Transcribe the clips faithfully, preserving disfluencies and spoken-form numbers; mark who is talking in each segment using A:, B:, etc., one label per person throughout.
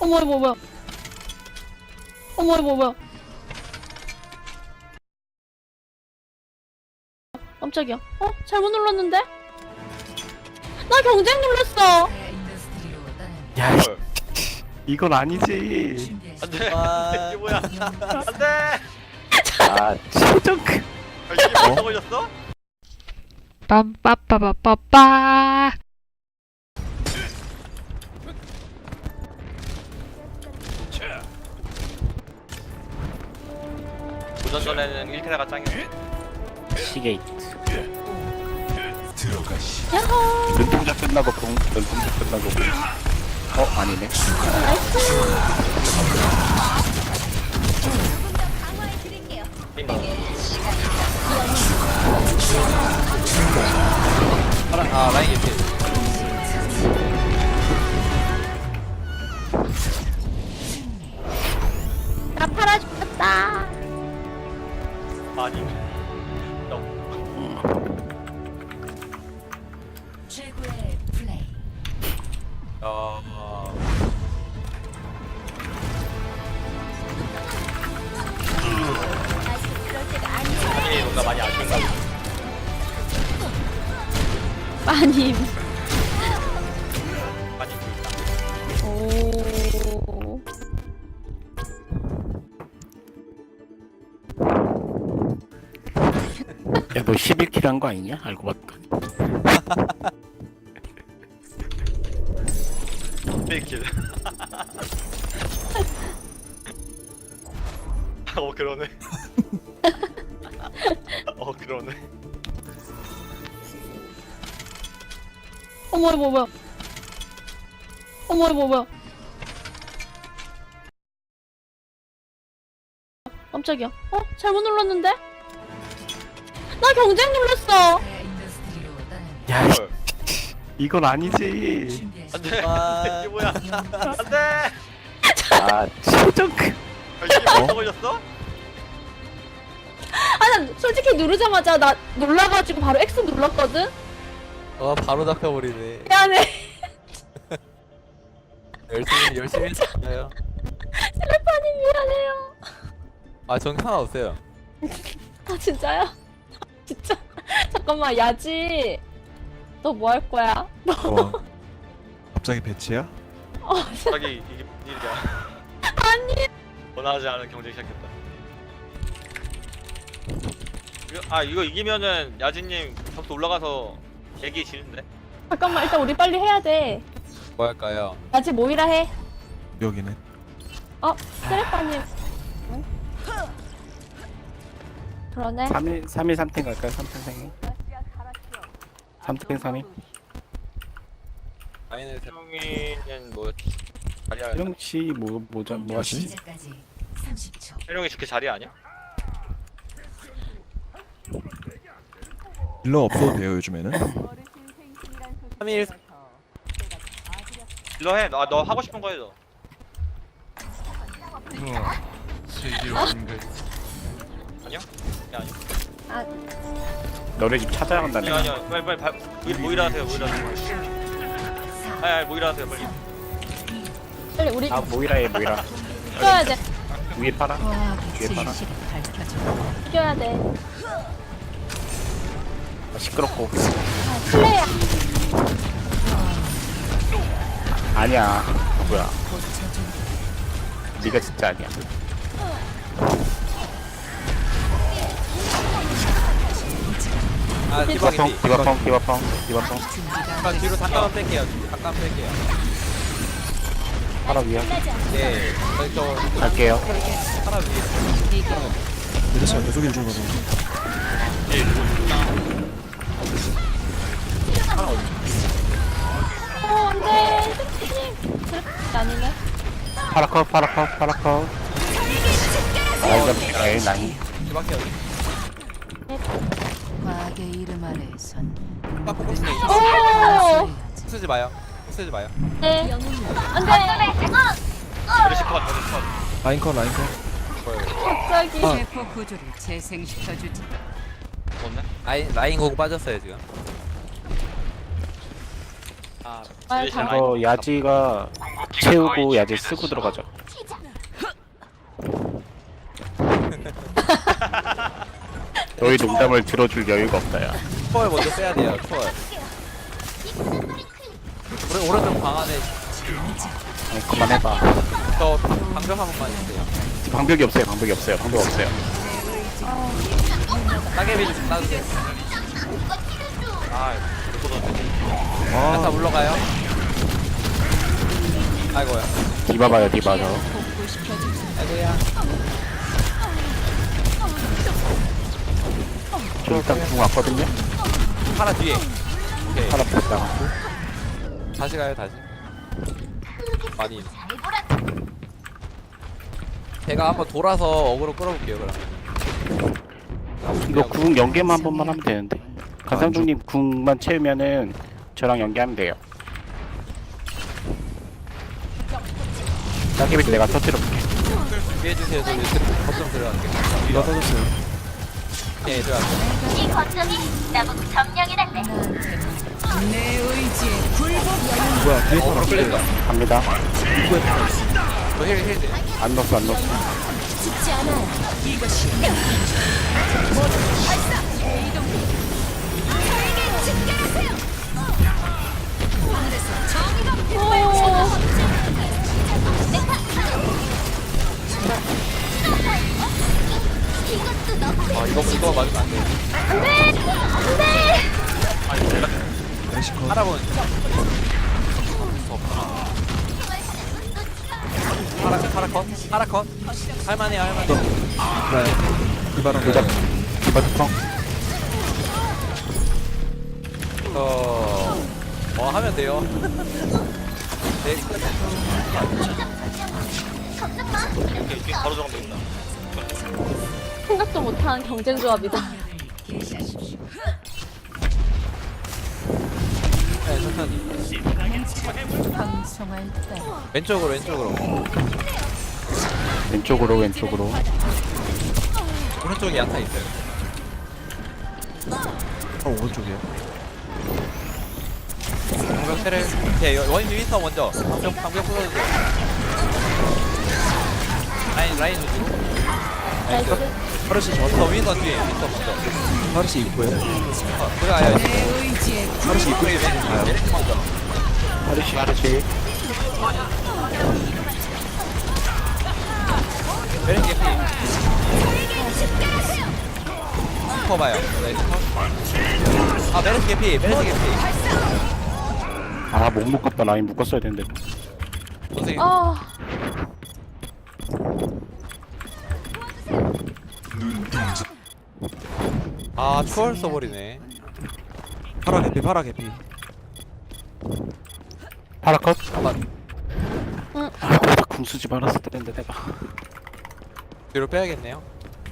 A: 어머 이거 뭐야? 어머 이거 뭐야? 깜짝이야. 어? 잘못 눌렀는데? 나 경쟁 눌렀어.
B: 야, 이건 아니지.
C: 안돼.
D: 아.
C: 이게 뭐야? 안돼.
B: 아, 최종 그.
C: 아, 이게 벌써 걸렸어?
E: 빰빠빠빠빠빠.
C: 도전 전에는 일 캐라가 짱이야.
B: 시게이트.
A: 야호.
B: 눈동자 끝나고 공, 눈동자 끝나고 공. 어, 아니네.
D: 아 라인 개피.
A: 나 팔아 죽겠다.
C: 아니. 너.
F: 최고의 플레이.
C: 어. 아니 뭔가 많이 아쉬운가?
A: 마님.
C: 많이 보인다.
A: 오.
B: 야, 너 십일 킬 한 거 아니냐? 알고 봤더니.
C: 페이킬. 어 그러네. 어 그러네.
A: 어머 이거 뭐야? 어머 이거 뭐야? 깜짝이야. 어? 잘못 눌렀는데? 나 경쟁 눌렀어.
F: 인더스트리로 떠납니다.
B: 야,
C: 헐.
B: 이건 아니지.
C: 안돼.
D: 아.
C: 이게 뭐야? 안돼.
B: 아, 최종 그.
C: 아, 이게 벌써 걸렸어?
A: 아, 난 솔직히 누르자마자 나 놀라가지고 바로 X 눌렀거든?
D: 어 바로 잡혀버리네.
A: 미안해.
D: 열심히 열심히 했어요.
A: 슬래퍼님 미안해요.
D: 아전 상관없어요.
A: 아, 진짜요? 진짜. 잠깐만, 야지. 너 뭐 할 거야? 너,
G: 어. 갑자기 배치야?
A: 어,
C: 갑자기 이게 무슨 일이야?
A: 아니.
C: 원하지 않은 경쟁 시작했다. 이거, 아 이거 이기면은 야진님 점수 올라가서 얘기 지는데?
A: 잠깐만, 일단 우리 빨리 해야 돼.
D: 뭐 할까요?
A: 야지 모이라 해.
G: 여기는
A: 어, 슬래퍼님. 응? 그러네.
B: 삼 일, 삼 일 삼 팀 갈까요? 삼 팀 생일. 삼 팀 삼 일.
D: 라인을 세-
C: 태용이는 뭐 자리야?
B: 혜령 씨, 뭐, 뭐자, 뭐 하시지?
F: 시작까지 삼십 초.
C: 태용이 좋게 자리 아니야?
G: 딜러 없어도 돼요 요즘에는.
D: 삼 일
C: 일로 해. 너, 너 하고 싶은 거 해줘. 아니요? 네, 아니요.
A: 아,
B: 너네 집 찾아야 한다네.
C: 아니요 아니요. 빨리 빨리 바, 모이, 모이라 하세요. 모이라 하세요. 아니 아니 모이라 하세요. 빨리.
A: 빨리 우리
B: 아, 모이라 해, 모이라.
A: 이겨야 돼.
B: 위에 팔아. 뒤에 팔아.
F: 진실을 밝혀줘.
A: 이겨야 돼.
B: 아, 시끄럽고.
A: 아, 플레이야.
B: 아니야. 뭐야. 네가 진짜 아니야.
D: 아 디바
B: 디바펑,
D: 개피.
B: 디바펑, 디바펑, 디바펑.
D: 잠깐 뒤로 잠깐만 뺄게요. 잠깐 뺄게요.
B: 팔아 위에.
D: 네. 저희 저
B: 갈게요.
D: 하나 위에.
G: 내려차 계속 일중 가서.
A: 어, 안 돼. 슬래퍼님. 슬래퍼 아니네.
B: 파라커, 파라커, 파라커. 라이저, 에이, 나이.
D: 뒤밖에 없.
F: 과학의 이름 아래선
D: 딱 보고 싶네.
A: 오!
D: 쓰지 마요. 쓰지 마요.
A: 네. 안 돼.
C: 메르시 컷. 메르시 컷.
G: 라인컷 라인컷.
A: 갑자기.
G: 아.
F: 세포 구조를 재생시켜주지.
C: 뭔데?
D: 라인 라인 고고 빠졌어요 지금.
C: 아
A: 아,
C: 메르시
A: 다-
C: 라인.
B: 이거 야지가 채우고 야지 쓰고 들어가죠. 너희 농담을 들어줄 여유가 없다야.
D: 초월 먼저 빼야 돼요. 초월. 오른 오른쪽 방 안에
B: 아니, 그만해봐.
D: 저 방벽 한 번만 주세요.
B: 방벽이 없어요. 방벽이 없어요. 방벽 없어요.
D: 따개비 좀 따주세요.
C: 아 이거 못
D: 다
G: 아
D: 물러가요. 아이고야.
B: 디바 봐요. 디바 저.
D: 아이고야.
B: 저 일단 궁 왔거든요.
D: 파라 뒤에. 오케이.
B: 하나 뺐다가고.
D: 다시 가요 다시. 많이. 제가 한번 돌아서 어그로 끌어볼게요 그럼.
B: 이거 궁 연계만 한 번만 하면 되는데. 간상중님 궁만 채우면은 저랑 연계하면 돼요. 따개비 내가 터뜨려볼게.
D: 준비해주세요. 저 이제 거점 들어갈게요.
G: 이거 터졌어요.
D: 네 들어갈게요.
H: 이 거점이 나보고 점령해달래.
F: 내 의지에 굴복.
G: 뭐야 뒤에
D: 어그로
G: 파라
D: 끌린다.
B: 갑니다.
D: 저힐힐
B: 안 넣었어 안 넣었어.
H: 죽지 않아요. 이것이
D: 아 이거 이거 맞으면 안 돼.
G: 메시컷.
D: 파라본. 파라 파라 컷. 파라 컷. 할만해요 할만해.
G: 그래. 이바람
B: 도작. 디바 특성.
D: 어. 뭐 하면 돼요. 네.
C: 오케이 지금 바로 정도 있다.
A: 생각도 못한 경쟁 조합이다.
F: 계시하십시오.
D: 네 천천히.
F: 방송할 때
D: 왼쪽으로 왼쪽으로.
B: 왼쪽으로 왼쪽으로.
D: 오른쪽에 야타 있어요.
G: 어 오른쪽이에요.
D: 방벽 테를. 오케이 원인 윈터 먼저. 방벽 방벽 풀어주세요. 라인 라인 우주.
A: 나이스.
G: 파르시
D: 저
G: 저
D: 윈터 뒤에 윈터 먼저.
G: 파르시 입구에.
D: 어, 들어가요.
F: 내 의지에
G: 파르시 입구에 가요.
D: 메리트 먼저.
B: 하르시 하르시.
D: 메리트 개피. 슈퍼 봐요. 네, 슈퍼. 아 메리트 개피. 메리트 개피.
B: 아 못 묶었다. 라인 묶었어야 되는데.
D: 선생님.
A: 아,
D: 아 초월 써버리네.
G: 파라 개피 파라 개피.
B: 파라컷.
D: 한번
B: 아 거기다 궁 쓰지 말았을 텐데 내가.
D: 뒤로 빼야겠네요.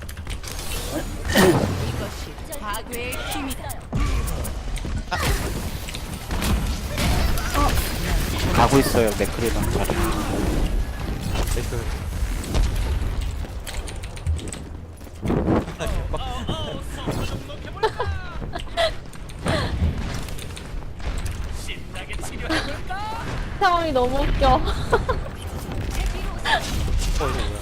F: 파괴의 힘이다.
B: 가고 있어요. 맥크리랑 자리.
D: 메이크.
A: 상황이 너무 웃겨.
D: 어, 이거 뭐야.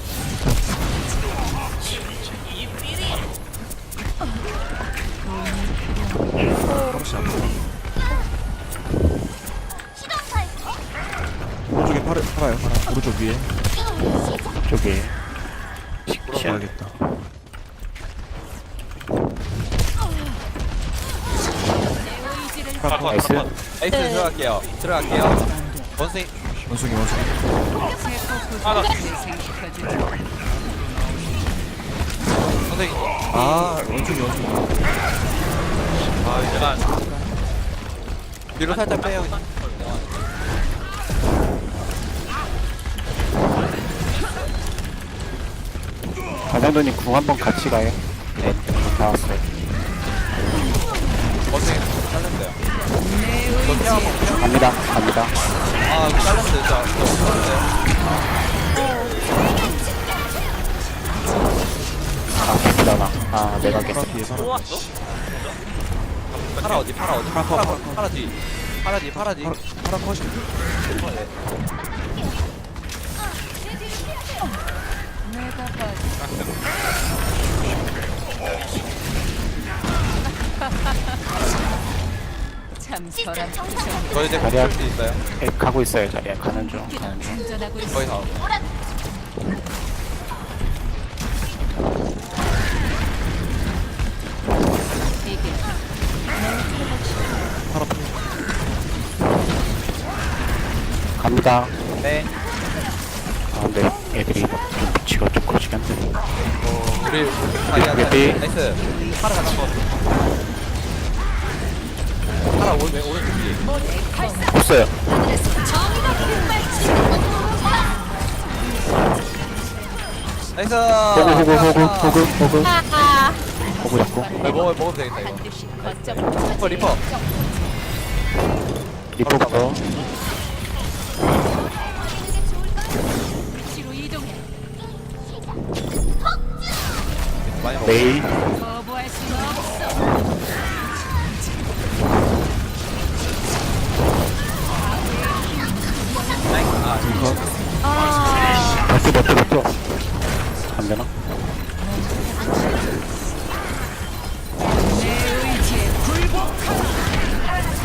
G: 파르시 안 보여. 오른쪽에 파라 파라요 파라. 오른쪽 위에.
B: 저기.
G: 물어봐야겠다.
C: 파라 컷.
B: 나이스.
C: 파라 컷.
D: 에이스
A: 네.
D: 들어갈게요. 들어갈게요. 원숭이.
G: 원숭이 원숭이.
C: 하나.
F: 재생시켜주지.
D: 선생님.
G: 아 원숭이 원숭이.
C: 아 이제 난
D: 뒤로 살짝 빼요. 그냥.
B: 가장도님 궁 한번 같이 가요. 네. 다 왔어요.
D: 원숭이 잘렸어요. 저 태워 한번 태워.
B: 갑니다. 갑니다.
D: 아 이거 잘렸어요. 진짜. 진짜 잘렸어요.
B: 아 개피다나. 아 내가
G: 파라
B: 깼어.
G: 뒤에 파라.
C: 또 왔어?
D: 파라 어디? 파라 어디?
G: 파라
D: 파라
G: 컷,
D: 파라, 파라 뒤. 파라 뒤. 파라 뒤.
G: 파라 파라 컷이.
D: 어, 네.
F: 저랑 표정
D: 저 이제
B: 자리야.
D: 볼수 있어요.
B: 에, 가고 있어요 자리야. 가는 중 가는 중.
F: 운전하고 있어.
D: 거의 다.
F: 이게
B: 갑니다.
D: 네.
B: 아 근데 애들이 좀 위치가 좀 커지긴 한데.
D: 어, 우리 자리야.
B: 네.
D: 나이스. 파라 가는 거. 파라 오른 오른쪽 뒤.
B: 없어요.
D: 나이스.
B: 호구 호구 호구 호구 호구
A: 아,
B: 호구 잡고.
D: 네, 먹어 먹으면 되겠다 이거.
F: 반드시 거점
D: 리퍼 리퍼.
B: 리포부터
F: 위치로 이동해.
D: 많이 먹어.
B: 메이
F: 거부할 수는 없어.
D: 아,
B: 버텨 버텨 버텨. 안 되나?
F: 내 의지에 굴복하라.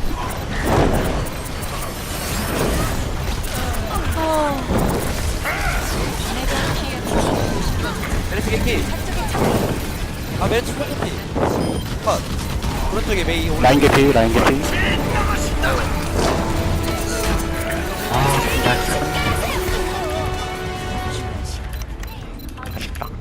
D: 메르시 개피. 아 메르시 개피. 컷. 오른쪽에 메이 오른.
B: 라인 개피 라인 개피. 아 나이스. 아쉽다.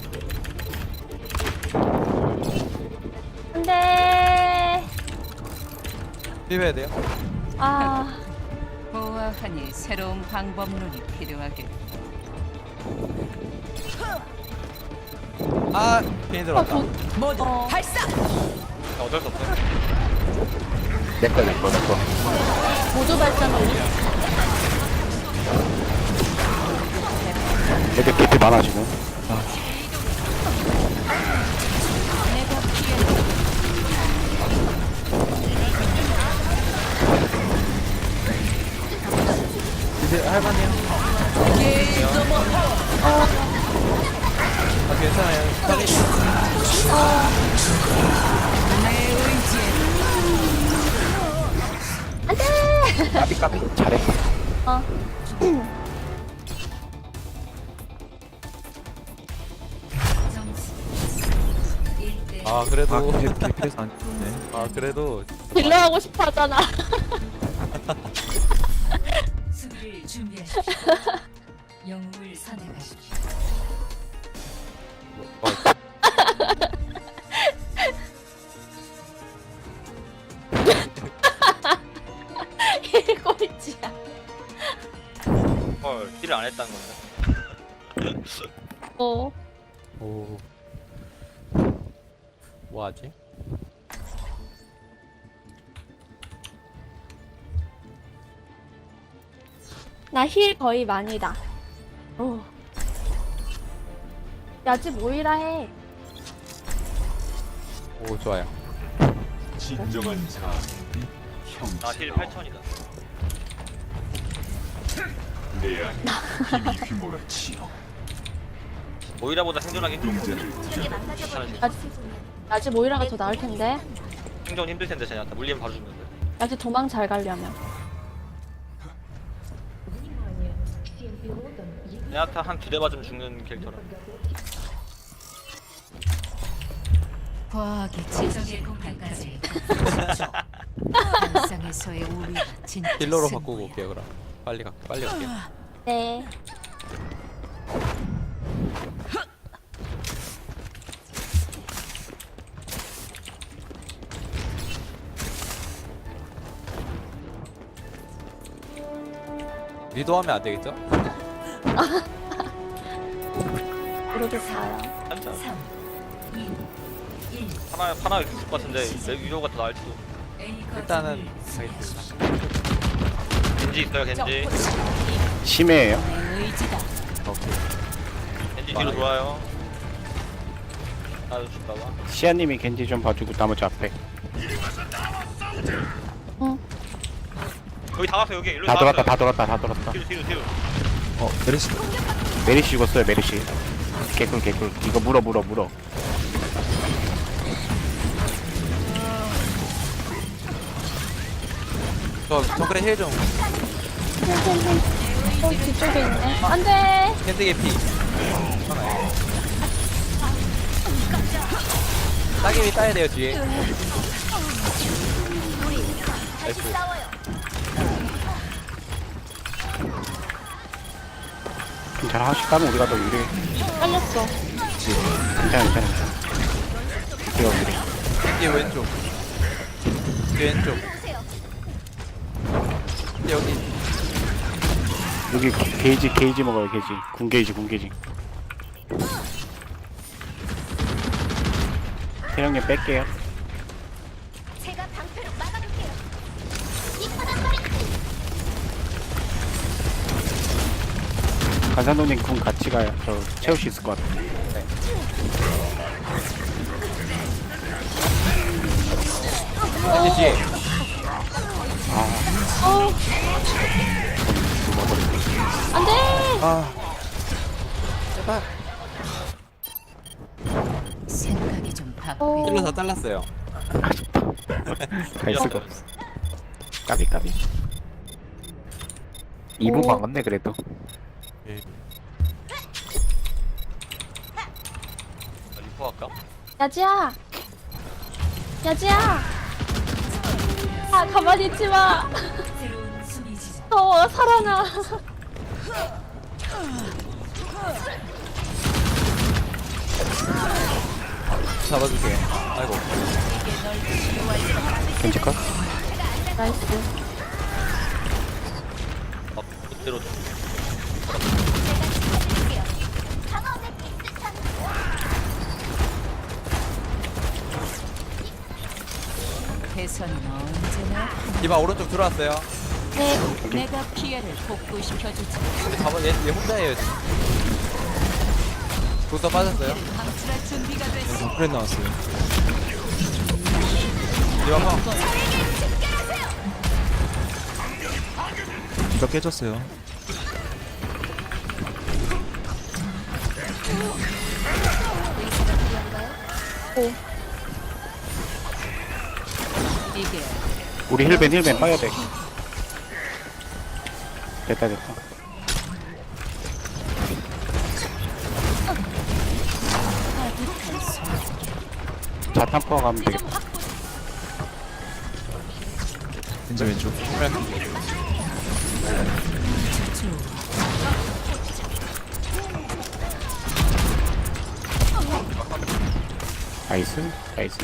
A: 안돼.
D: 비벼야 돼요.
A: 아,
F: 보아하니 새로운 방법론이 필요하겠다.
D: 아 괜히
A: 어,
D: 들어왔다.
A: 도,
F: 모두
A: 어.
F: 발사.
C: 어쩔 수 없어.
B: 내꺼 내꺼 내꺼.
A: 보조 발전을
B: 애들 개피 많아 지금.
F: 내가 피해.
D: 이제 할만해요. 아 괜찮아요. 빨리.
F: 내 의지에
B: 까비 까비. 잘해.
A: 어.
D: 아
G: 아
D: 그래도
G: 개- 개피해서 안 죽네.
D: 아 그래도
A: 딜러 하고 싶어 하잖아.
F: 수비를 준비하십시오. 영웅을 선택하십시오.
A: 꼴찌야.
C: 헐, 딜을 안 했다는 건데.
A: 어.
D: 오. 뭐하지?
A: 나 힐 거의 많이다. 오. 야지 모이라 해.
D: 오 좋아요.
C: 나힐 팔천이다. 모이라보다 생존하기 힘들고.
A: 야지, 야지 모이라가 더 나을 텐데.
C: 생존 힘들 텐데 쟤한테 물리면 바로 죽는데.
A: 야지 도망 잘 가려면.
C: 쟤한테 한 두 대 맞으면 죽는 캐릭터라.
F: 과학의 지적의 공간까지 한상에서의 우리가 진짜
D: 힐러로
F: 승부야.
D: 바꾸고 올게요 그럼. 빨리 가 빨리 갈게요.
A: 네.
D: 리도하면 안 되겠죠?
A: 이러고 가요.
C: 한자. 하나 하나 있을 것 같은데 내 위로가 더 나을지도.
D: 일단은 가겠습니다.
C: 겐지 있어요 겐지.
B: 심해예요.
F: 내 의지다.
D: 오케이.
C: 겐지 뒤로 돌아요. 나도 줄까봐.
B: 시아님이 겐지 좀 봐주고 나머지 앞에.
C: 여기 다 왔어 여기 일로
B: 다
C: 다
B: 돌았다
C: 왔어요.
B: 다 돌았다 다 돌았다.
C: 뒤로 뒤로 뒤로.
G: 어 메르시.
B: 메리시 죽었어요 메리시. 개꿀 개꿀. 이거 물어 물어 물어.
D: 저 정글에 힐좀
A: 어, 뒤쪽에 있네. 안 돼!
D: 캔드 개피 하나요. 따개비 따야 돼요 뒤에. 나이스.
B: 괜찮아. 하씩 가면 우리가 더 유리해.
A: 빨렸어.
B: 괜찮아, 괜찮아. 우리가 유리해.
D: 뒤에 왼쪽. 뒤에 왼쪽. 여기.
B: 여기 게, 게이지, 게이지 먹어요, 게이지. 궁 게이지, 궁 게이지. 태령님 뺄게요.
H: 제가 방패로 막아둘게요. 이쁘단 소리.
B: 간산도님 궁 같이 가요. 저 채울 수 있을 것 같아요.
D: 이제 뒤에.
A: 어, 안 돼!
D: 아. 제발.
F: 생각이 좀 바쁘.
A: 어,
D: 힐러 다 잘랐어요.
B: 갈 수가 없어. 까비, 까비. 이 부
A: 오.
B: 막았네, 그래도.
C: 아, 리퍼 할까?
A: 야지야! 야지야! 아, 가만히 있지 마!
F: 새로운 수비 지점.
A: 더워, 살아나.
D: 잡아줄게요. 아이고.
B: 괜찮을까?
A: 나이스.
C: 아, 그대로
H: 방어대 비슷한
F: 개선은 언제나
D: 디바 오른쪽 들어왔어요.
A: 네,
F: 내가 피해를 복구시켜주지.
D: 근데 잡아 얘, 얘 혼자예요 지금. 부서 빠졌어요.
F: 방출할 준비가 됐어.
G: 정크레 나왔어요.
D: 디바 펑.
G: 디바 깨졌어요.
F: 이게
B: 우리 힐벤, 힐벤 빠야 돼. 됐다, 됐다. 자탄 포화 가면 되겠다.
G: 겐지 왼쪽.
B: 나이스, 나이스.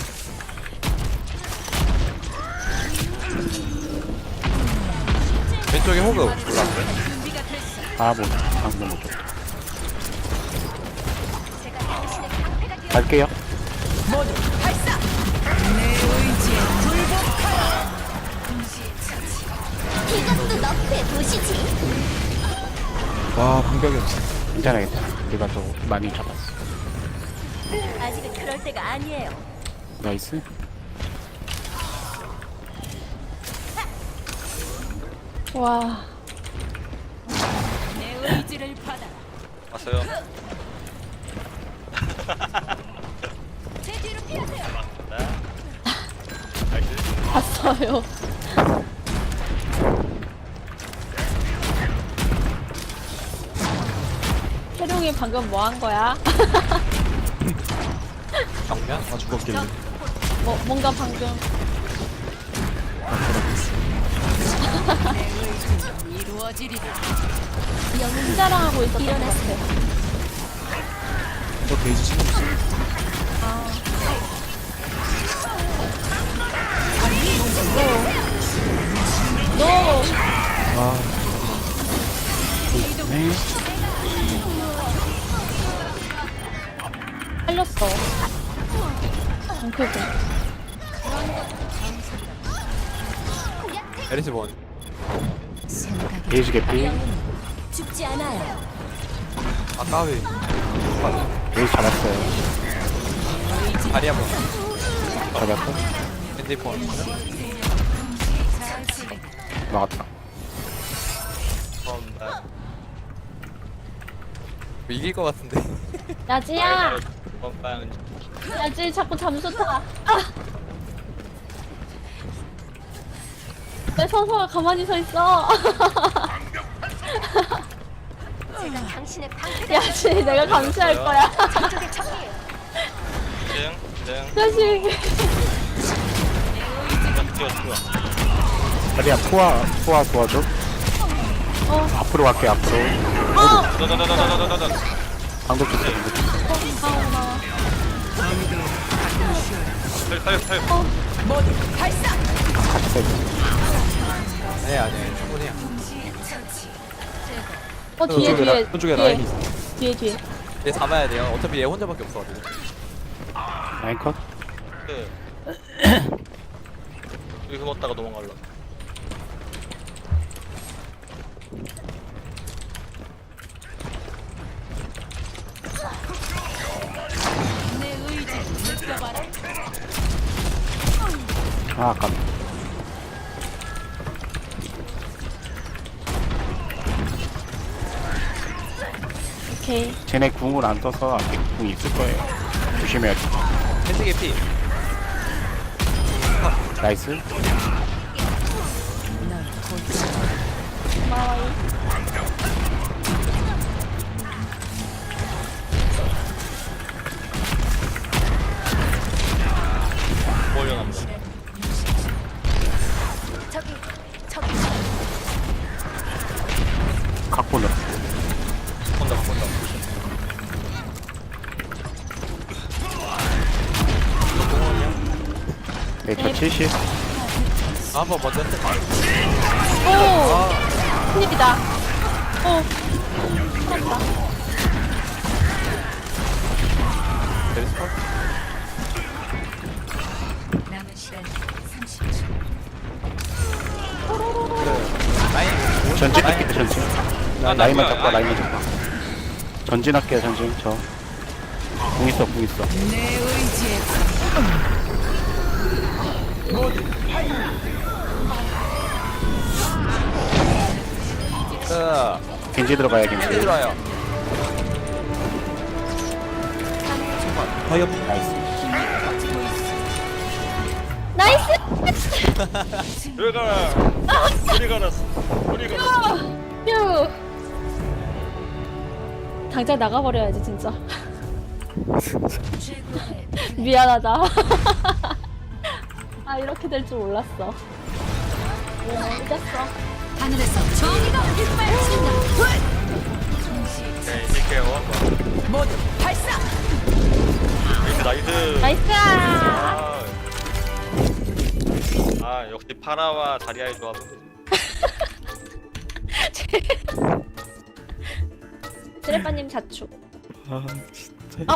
D: 왼쪽에 호그. 올라.
B: 아, 뭐, 방금 못 줬다. 갈게요.
H: 이것도 너프의 도시지.
G: 와, 방벽이 없어.
B: 괜찮아, 괜찮아. 우리가 더 많이 잡았어.
H: 아직은 그럴 때가 아니에요.
B: 나이스.
A: 와.
F: 내 의지를 받아.
C: 왔어요.
H: 제 뒤로 피하세요.
C: 나이스.
A: 봤어요. 태룡이 방금 뭐 한 거야?
D: 정면.
G: 아, 죽었길래.
A: 뭐, 뭔가 방금.
F: 이루어지리라.
A: 영웅 자랑하고 있었던 것 같아.
G: 너 게이지 신경 써.
A: 너!
G: 아,
B: 네.
A: 살렸어. 정크고.
D: 에리스 본.
F: 생각이
B: 게이지 개피.
H: 죽지 않아요.
D: 아 까비.
B: 게이지 잡았어요.
D: 다리 한 번.
B: 잡았어.
D: 핸드폰.
F: 잘 쓰게.
B: 나왔다.
C: 처음다.
D: 뭐 이길 것 같은데.
A: 야지야!
C: 빵빵.
A: 야지 자꾸 잠수 타. 아! 내 서서가 가만히 서 있어.
H: 제가 당신의 방패가
A: 야지 내가 감시할 거야.
H: 저쪽의 적이에요.
C: 등, 등.
A: 자식.
C: 뛰어, 뛰어.
B: 자리야 포화 포화 도와줘.
A: 어.
B: 앞으로 갈게 앞으로.
C: 더더더더더더더더.
B: 방독 좀 방독 좀.
A: 아우나.
C: 살려, 살려, 살려.
B: 같이 세.
D: 네 아니에요 충분해요.
A: 어 뒤에
G: 저쪽에
A: 뒤에
G: 라- 저쪽에
A: 뒤에.
G: 라인이 있어.
A: 뒤에 뒤에.
D: 얘 잡아야 돼요. 어차피 얘 혼자밖에 없어가지고.
B: 라인 컷.
C: 그. 여기서 먹다가 도망갈라.
F: 내 의지 느껴봐라.
B: 아 아깝네.
A: 오케이.
B: 쟤네 궁을 안 떠서 앞에 궁 있을 거예요. 조심해야 돼.
D: 펜트 개피.
B: 나이스.
A: 고마워요.
C: 뭐 올려놨네.
H: 저기 저기
B: 갖고 넣어.
C: 혼자, 혼자.
B: 네, 저 칠십.
D: 아, 한번 먼저 했
A: 오. 큰일이다. 오. 살았다.
D: 베리스컷.
F: 남은 시간 삼십 초.
D: 라인.
B: 전진할게 전진.
C: 아, 나
B: 라인만
C: 뭐야,
B: 잡고
C: 아,
B: 라인만 잡고. 전진할게요 전진. 저. 궁 있어 궁 있어.
F: 내 의지에
D: 그
B: 겐지 들어가야
D: 펜트
B: 겐지.
D: 들어와요.
G: 파이어
A: 나이스.
C: 여기 가라. 우리 가라. 우리 가라.
A: 휴. 당장 나가버려야지 진짜. 미안하다. 아 이렇게 될 줄 몰랐어. 오 이겼어.
F: 하늘에서 정의가 빗발친다.
C: 오케이, 이길게요.
F: 모두 발사.
C: 나이스, 나이스.
A: 나이스.
C: 아, 아 역시 파라와 다리아의 조합은
A: 쓰레빠님 자축.
G: 아 진짜.
A: 어.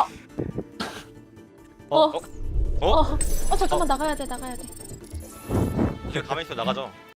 C: 어?
A: 어.
C: 어? 어?
A: 어. 어 잠깐만 나가야 돼 나가야 돼.
C: 가만히 있어 나가죠.